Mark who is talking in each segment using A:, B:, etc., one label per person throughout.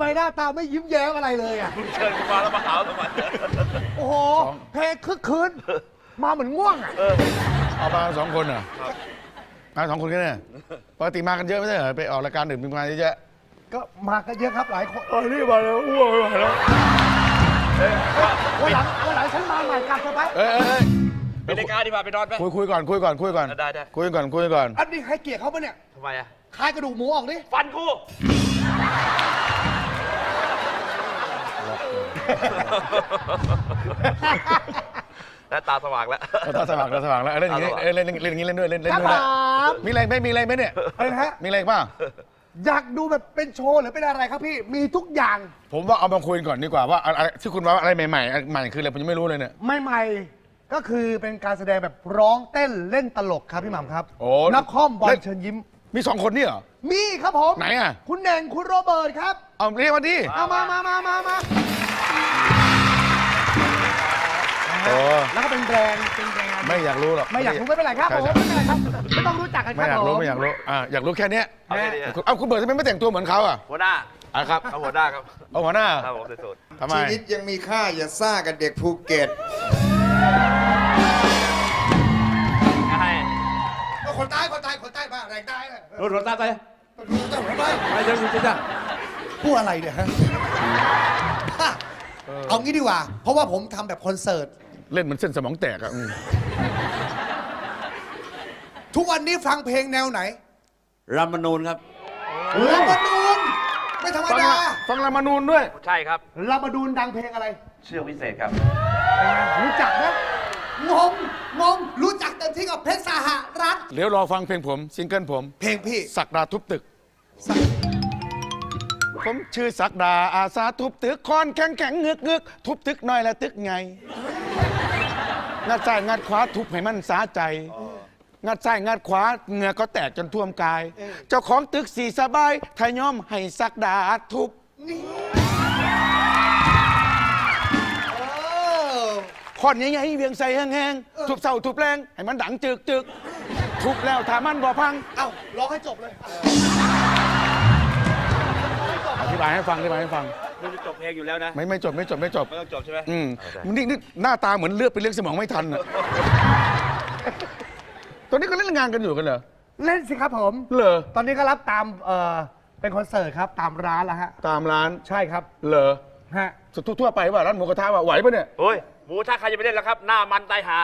A: หน้าตาไม่ยิ้มแย้มอะไรเลยอ่ะ
B: เชิญกูมาแล้วมาหาทำไม
A: โอ้โหเพลงคึกคืนมาเหมือนง่วงอ่ะ
C: เอามา2 คนเหรอมา2 คนแค่นี้ปกติมากันเยอะไม่ใช่เหรอไปออกรายการอื่นมีมาเยอะ
A: ก็มากันเยอะครับหลายคน
C: ๆนี่มาแล้วอ้วกไม่ไหวแล้ว
A: วันหลังฉันมาใหม่กลับเถอะไป
C: เอ้ย
B: เป็นรายการดีกว่าไปนอนไป
C: คุยก่อนคุยก่อน
B: ได้
C: คุยก่อน
A: อันนี้ให้เกียรติเขาปะเนี่ย
B: ทำไมอะ
A: คายกระดูกหมูออกดิ
B: ฟันกูแล้วตาสว่างแล้ว
C: ตาสว่างแล้วเล่นอย่างนี้เล่นอย่างนี้เล่นด้วยเล่น
A: ครับ
C: ด้วย
A: ผม
C: มีอะไรไม่มีอะไรไหมเนี่ย
A: อะไรนะฮะ
C: มีอะไรบ้าง
A: อยากดูแบบเป็นโชว์หรือเป็นอะไรครับพี่มีทุกอย่าง
C: ผมว่าเอามาคุยก่อนดีกว่าว่าอะไรที่คุณว่าอะไรใหม่ๆใหม่คืออะไรผมยังไม่รู้เลยเนี่ย
A: ใหม่ๆก็คือเป็นการแสดงแบบร้องเต้นเล่นตลกครับพี่หม่ำครับ
C: โอ้
A: นักคอมบอลเชิญยิ้ม
C: มี2 คนนี่เหรอ
A: มีครับผม
C: ไหนอ่ะ
A: คุณเน่งคุณโรเบิร์ตครับ
C: เอาเรียกมาดิ
A: เอามา
C: โอ้
A: แล้วก็เป็นแบรนด์
C: ไม่อยากรู้หรอก
A: ไม่อยากรู้ไม่เป็นไรครับผม
C: ใช่
A: ไม่เป็นไรครับไม่ต้องรู้จักกันค
C: ไม่
A: รับ
C: อยากรู้
A: ผม
C: ไม่อยากรู้อยากรู้แค่เนี้ย
B: เอาแค่นี้อะ
C: เอาคุณเบิร์ดทำไมไม่แต่งตัวเหมือนเขาอ่ะ
B: หัวหน้า
C: ครับ
B: เอาหัวหน้าครับ
C: เอาหัวหน้า
B: ครับผมสุด
C: ทำไม
D: ชีวิตยังมีค่าอย่าซ่ากับเด็กภูเก็ต
B: ๆให้
A: คนใต้มาแรงใต้เลย
B: รถตาไป
A: ไปเดี๋ยวจะพูดอะไรเนี่ยฮะเอางี้ดีกว่า เพราะว่าผมทำแบบคอนเสิร์ต
C: เล่นเหมือนเส้นสมองแตกอ่ะ
A: ทุกวันนี้ฟังเพลงแนวไหน
B: รัมมนูนครับ
A: รัมนูนไม่ธรรมดา
C: ฟังรามานูนด้วย
B: ใช่ครับ
A: รัมนูนดังเพลงอะไร
B: เชือกวิเศษครับ
A: รู้จักนะงงรู้จักเต็มที่กับเพชรสหรัฐ
C: เดี๋ยวรอฟังเพลงผมซิงเกิลผม
A: เพลงพี่
C: ศักดาทุบตึก ผมชื่อศักดาอาสาทุบตึกคอนแข็งเงือกทุบตึกหน่อยละตึกไงงัดซ้ายงัดขวาทุบให้มันสาใจงัดซ้ายงัดขวาเหงื่อก็แตกจนท่วมกาย เจ้าของตึกสีสบายทายอมให้ศักดาทุบคอนใหญ่ๆเวียงใส่แห้งๆทุบเสาทุบแรงให้มันดังจึกทุบแล้วถ้ามันบ่พัง
A: เอ้าร้องให้จบเลย
C: อธิบายให้ฟัง
B: มึงจะจบเพลงอยู่แล้วนะ
C: ไม่จบ
B: ไม่ต้องจบใช่ไหม
C: นี่หน้าตาเหมือนเลือดไปเลี้ยงสมองไม่ทันอ่ะ ตอนนี้ก็เล่นงานกันอยู่กันเหรอ
A: เล่นสิครับผม
C: เหรอ
A: ตอนนี้ก็รับตามเป็นคอนเสิร์ตครับตามร้านแล้วฮะ
C: ตามร้าน
A: ใช่ครับ
C: เหรอ
A: ฮะ
C: ทั่วไปว่าร้านหมูกระทะว่าไหวปะเนี่ย
B: โอ้ยหมูถ้าใครจะไปเล่นแล้วครับ หน้ามันตายหา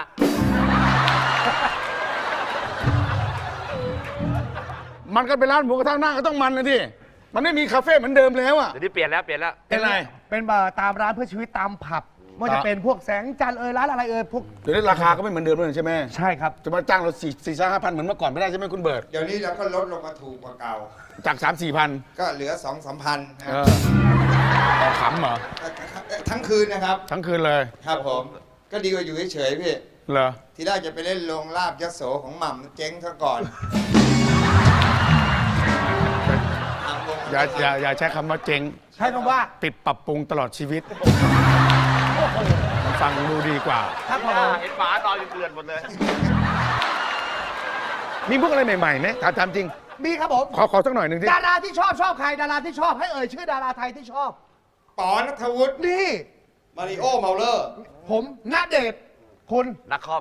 C: มันก็เป็นร้านหมูกระทะหน้าก็ต้องมันนะดิมันไม่มีคาเฟ่เหมือนเดิมแล้วอ่ะ
B: เดี๋ยวนี้เปลี่ยนแล้ว
C: เป็นไร
A: เป็นตามร้านเพื่อชีวิตตามผับว่าจะเป็นพวกแสงจันทร์ร้านอะไรพวก
C: เดี๋ยวนี้ราคาก็ไม่เหมือนเดิมแล้วใช่ไหม
A: ใช่ครับ
C: จะมาจ้างเรา4-5,000เหมือนเมื่อก่อนไม่ได้ใช่ไหมคุณเบิร์ด
D: เดี๋ยวนี้เราก็ลดลงมาถูกกว่าเก่า
C: จาก3-4 พัน
D: ก็เหลือ 2-3 พันนะ
C: ต่อขำเหรอ
D: ทั้งคืนนะครับ
C: ทั้งคืนเลย
D: ครับผม ก็ดีกว่าอยู่เฉยๆพี่
C: เหรอ
D: ที่แรกจะไปเล่นโรงลาบยโสของหม่ำเจ๊งซะก่อน
C: อย่าใช้คำว่าเจ๊ง
A: ใช้คำว่า
C: ปิดปรับปรุงตลอดชีวิตมันฟังดูดีกว่า
A: ครับผ
B: หน้าม เห็นหมานอนอยู่เกลื่อนหมดเลย
C: มีพวกอะไรใหม่ๆไหมถามจริง
A: มีครับผม
C: ขอสักหน่อยหนึ่งที่
A: ดาราที่ชอบใครดาราที่ชอบให้เอ่ยชื่อดาราไทยที่ชอบ
D: ป๋อนัทวุฒิ
A: นี่
D: มาริโอเมาเลอร์
A: ผมณเดชน์คุณ
B: นักคอม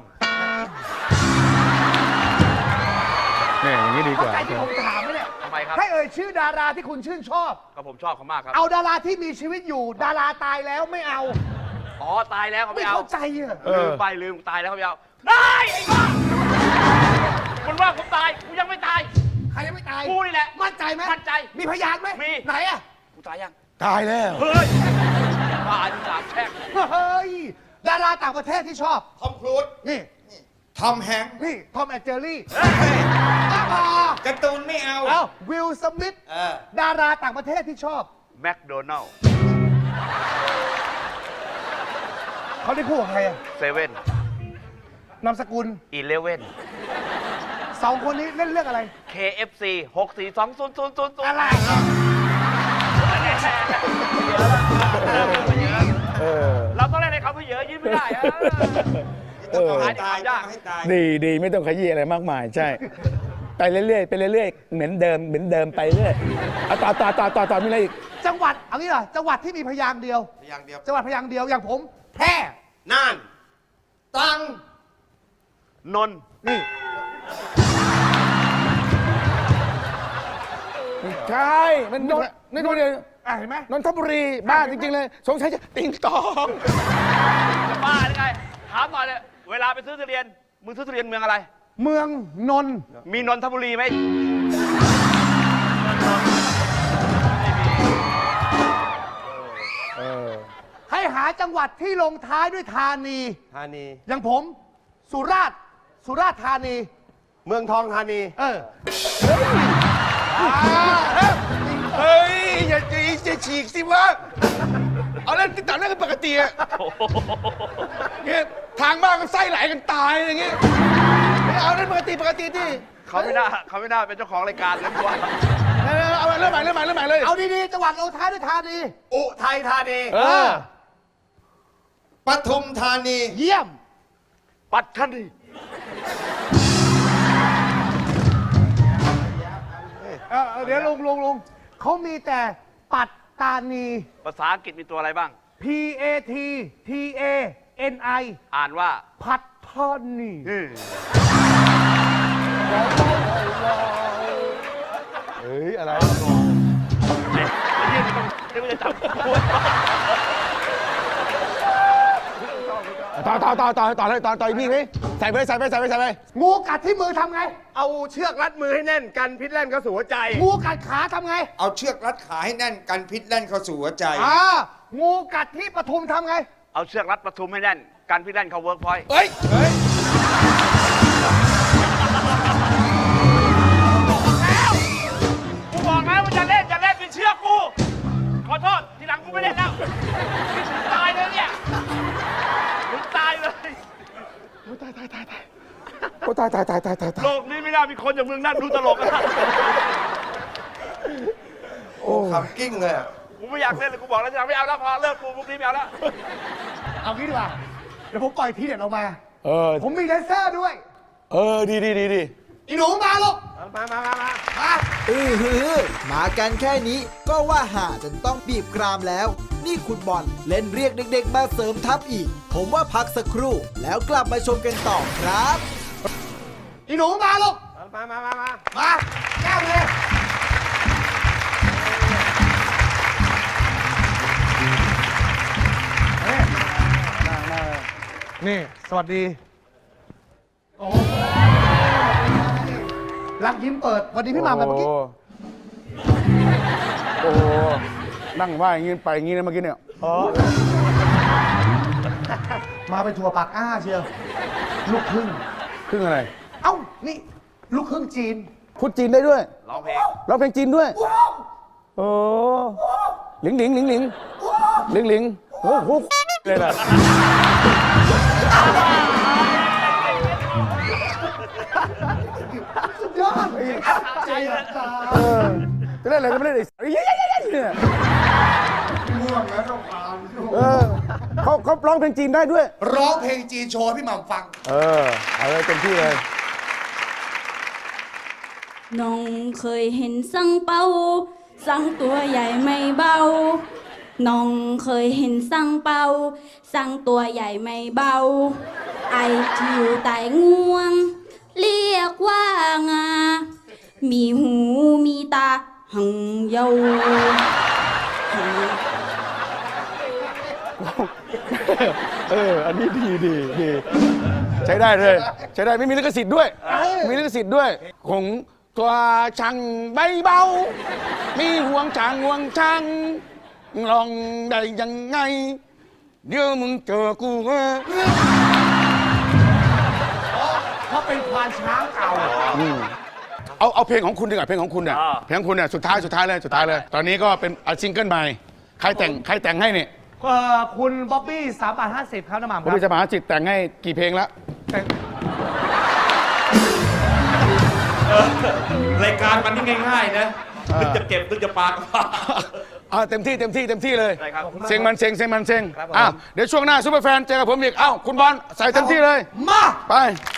C: เนี่ยอย่างนี้ดีก
A: เข้า
C: ว่า
A: ใจที่ผมถามไหมเนี่ย
B: ทำไมครับ
A: ให้เอ่ยชื่อดาราที่คุณชื่นชอบ
B: ก็ผมชอบเขามากครับ
A: เอาดาราที่มีชีวิตอยู่ ดาราตายแล้วไม่เอา
B: อ๋อ ตายแล้วเขา
A: ไม่
B: ไม่เอา
A: เข้าใจอ่ะ
B: ลืมไปลืมตายแล้วเขาไม่เอา ได้ไอ้บ้ามันว่าผมตาย กูยังไม่ตาย
A: ใครยังไม่ตาย
B: กูนี่แหละ
A: มั่นใจไหม
B: มั่นใจ
A: มีพยานไหม
B: มี
A: ไหนอ่ะ
B: กูตายยัง
C: ตายแล้ว
B: เฮ้ยตายที่สามแช่ง
A: เฮ้ยดาราต่างประเทศที่ชอบ
D: ทอมครูซ
A: นี่
D: ทอมแฮงค์
A: นี่ทอมแอนเจอรี่
B: เฮ้ย
D: การ์ตูนไม่เอา
A: เอ้าวิลสมิธ
D: เออ
A: ดาราต่างประเทศที่ชอบ
B: แมคโดนัลล์
A: เขาได้คู่กับใครอ่ะ
B: เซเว่น
A: นามสกุล
B: 11
A: สองคนนี้เล่นเรื่องอะไร
B: KFC 64200000
A: อะไร
B: เราต้องเล่นให้เขาเยอะยิ้มไม่ได้อะ
D: ต้องเอา
B: หา
D: ให้
B: ที่
D: ตาย
B: ทำยาก
D: ต้องให้ตาย
C: ดีไม่ต้องขยี้อะไรมากมายใช่ ไปเรื่อยๆเหมือนเดิมไปเรื่อยเอาต่อมีอะไรอีก
A: จังหวัดเอางี้เหรอจังหวัดที่มีพยางค์เดียว
D: พยางค์เดียว
A: จังหวัดพยางค์เดียวอย่างผมแพร่
B: น่าน
D: ตรัง
B: นนท์
A: นี่
C: ใช่มันนี่ดูดิ
A: เห็นไหม
C: นนทบุรีบ้าจริงๆเลยสงสัยจะติงตอง
B: จะบ้าหรือไง ถามหน่อยเลยเวลาไปซื้อทุเรียน มึงซื้อทุเรียนเมืองอะไร
A: เมืองนนท์
B: มีนนทบุรีไหม
A: ให้หาจังหวัดที่ลงท้ายด้วยธานี
E: ธานี
A: อย่างผมสุราษฎร์ธานี
E: เมืองทองธานี
C: เฮ้ยอย่าฉีกสิวะเอาเล่นติดต่อเล่นกันปกติอะเนี่ยทางบ้านก็ไส้ไหลกันตายอย่างเงี้ยไม่เอาเล่นปกติที่
B: เขาไม่น่าเป็นเจ้าของรายการเลยว่า
C: เอาเริ่มใหม่เลย
A: เอาดีๆจังหวัดลงท้ายด้วยธานี
E: อุทัยธานี
D: ปทุมธานี
A: เยี่ยม
B: ปัดทันที
A: เดี๋ยวลุงเขามีแต่ปัตตานี
B: ภาษาอังกฤษมีตัวอะไรบ้าง
A: PATTANI
B: อ่านว่า
A: ปัตตานี
C: เฮ้ยอะไร
B: ไอ้เหี้ยนี่ต้องเดี๋ยวมันจะจับกู
C: ต่อเลยต่ออีกนี่ไหมใส่ไป
A: งูกัดที่มือทำไง
E: เอาเชือกรัดมือให้แน่นกันพิษแล่นเข้าสู่หัวใจ
A: งูกัดขาทำไง
D: เอาเชือกรัดขาให้แน่นกันพิษแล่นเข้าสู่หัวใจ
A: งูกัดที่ปทุมทำไง
B: เอาเชือกรัดประทุมให้แน่นกันพี่แล่นเขาเวิร์กพอยต์
C: เฮ้ย
B: กูบอกแล้วว่าจะเล่นเป็นเชือกกู ขอโทษ ทีหลังกูไม่เล่นแล้วถึงตายเลยเนี่ยถึงตายเลย
C: ตาย
B: โลกนี้ไม่น่ามีคนอย่างมึงนั่งดูตลกอะ
D: โอ้คำกิ้งเลยอะ
B: กูไม่อยากเล่นเลยกูบอกแล้วจะไม่เอาแล้วพอเลิกกูพวกนี้ไม่เอาแล้ว
A: เอางี้ดีกว่า เดี๋ยวผมปล่อยทีเด็ดออกมา ผมมีแดนเซอร์ด้วย
C: ดี
A: อีหนูมาลูก
E: มา
F: มากันแค่นี้ก็ว่าหาจนต้องบีบกรามแล้ว นี่คุณบอลเล่นเรียกเด็กๆมาเสริมทัพอีก ผมว่าพักสักครู่แล้วกลับมาชมกันต่อครับ
A: อีหนูมาลูก มาแก้วเลยนี่ สวัสดี รักยิ้มเปิดวันนี้พี่หม่ำแบบเมื่อกี้
C: โอ้โหนั่งว่าอย่างงี้ไปอย่างงี้นะเมื่อกี้เนี่ย
A: มาเป็นถั่วปากอ้าเชียว ลูกครึ่ง
C: ครึ่งอะไร
A: เอ้า นี่ ลูกครึ่งจีน
C: พูดจีนได้ด้วย
B: ร้องเพลง
C: ร้องเพลงจีนด้วย โอ้หลิงโอ้โหเลยนะ
A: ยอดใจรักษา
C: จะเล่นอะไรก็ไม่เล่นไอ้เนี่ย
D: ง่วงแล้วต้องผ่าน
C: เขาร้องเพลงจีนได้ด้วย
A: ร้องเพลงจีนโชว์ให้พี่หม่ำฟัง
C: เอาเลยเต็มที่เลย
G: น้องเคยเห็นสังเปาสังตัวใหญ่ไม่เบา น้องเคยเห็นสังเปาสังตัวใหญ่ไม่เบา ไอที่อยู่ใต้งวง เรียกว่างา มีหูมีตาหังเยา
C: อันนี้ดีใช้ได้เลยใช้ได้ไม่มีลิขสิทธิ์ด้วยมีลิขสิทธิ์ด้วยของตัวช่างใบเบา มีห่วงช่างลองได้ยังไง เดี๋ยวมึงเจอกู
A: เขาเป็นควานช้างเก่า
C: เอาเพลงของคุณดีกว่าเพลงของคุณเนี่ยเพลงของคุณเนี่ยสุดท้ายเลย ตอนนี้ก็เป็นซิงเกิลใหม่ใครแต่งให้เนี่ย
A: คุณบ๊อบบี้3.50 ครับน้ำหม่ำค
C: ผม
A: รับ
C: จะมาหาจิตแต่งให้กี่เพลงแล้ว
B: รายการมันนี่ง่ายๆนะนึกจะเก็บนึกจะปาก
C: เต็มที่เลย
B: ได้ครับ
C: เซ็งมันเซ็งเดี๋ยวช่วงหน้าซุปเปอร์แฟนเจอกับผมอีกคุณบอลใส่เต็มที่เลย
A: มา
C: ไป